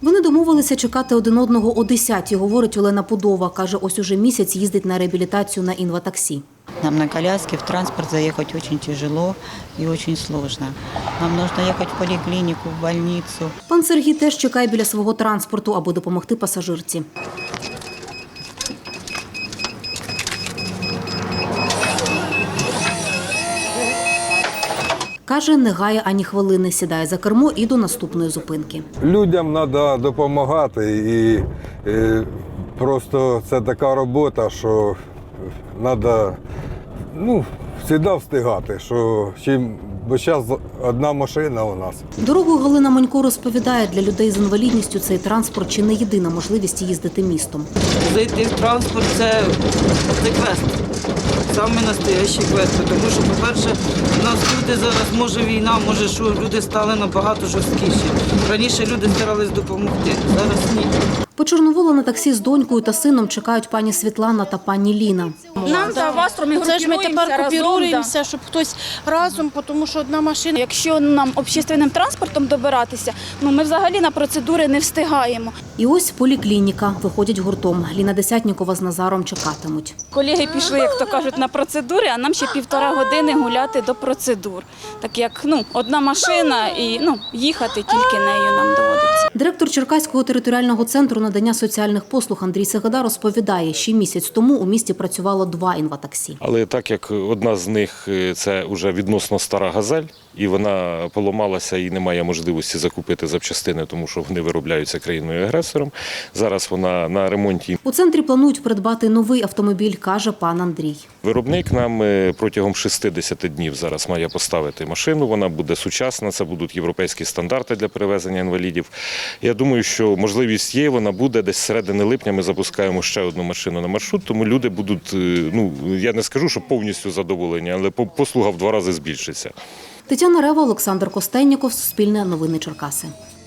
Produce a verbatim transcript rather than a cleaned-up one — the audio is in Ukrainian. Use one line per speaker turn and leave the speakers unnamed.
Вони домовилися чекати один одного о десятій, говорить Олена Пудова. Каже, ось уже місяць їздить на реабілітацію на інватаксі.
Нам на коляске в транспорт заехать очень тяжело и очень сложно. Нам нужно ехать в поликлинику, в больницу.
Пан Сергій теж чекає біля свого транспорту, аби допомогти пасажирці. Каже, не гає ані хвилини, сідає за кермо і до наступної зупинки.
Людям треба допомагати і, і просто це така робота, що треба ну, завжди встигати, що чим, бо зараз одна машина у нас.
Дорогою Галина Манько розповідає, для людей з інвалідністю цей транспорт чи не єдина можливість їздити містом.
Зайти в транспорт – це, це квест. Саме настоящий квест. Тому що, по-перше, у нас люди зараз, може війна, може що, люди стали набагато жорсткіші. Раніше люди старались допомогти, зараз ні.
По Чорноволу на таксі з донькою та сином чекають пані Світлана та пані Ліна.
Нам за вас
Це ж ми тепер купіруємося, щоб хтось разом, тому що одна машина.
Якщо нам общественним транспортом добиратися, ну ми взагалі на процедури не встигаємо.
І ось поліклініка. Виходять гуртом. Ліна Десятнікова з Назаром чекатимуть.
Колеги пішли, як то кажуть, на процедури, а нам ще півтора години гуляти до процедур. Так як ну, одна машина і ну, їхати тільки нею нам доводиться.
Директор Черкаського територіального центру надання соціальних послуг Андрій Сегеда розповідає, ще місяць тому у місті працювало два інватаксі.
Але так як одна з них – це вже відносно стара «Газель», і вона поламалася і немає можливості закупити запчастини, тому що вони виробляються країною-агресором, зараз вона на ремонті.
У центрі планують придбати новий автомобіль, каже пан Андрій.
Виробник нам протягом шістдесят днів зараз має поставити машину, вона буде сучасна, це будуть європейські стандарти для перевезення інвалідів. Я думаю, що можливість є, вона буде, десь з середини липня ми запускаємо ще одну машину на маршрут, тому люди будуть, ну, я не скажу, що повністю задоволені, але послуга в два рази збільшиться.
Тетяна Рева, Олександр Костенніков, Суспільне новини Черкаси.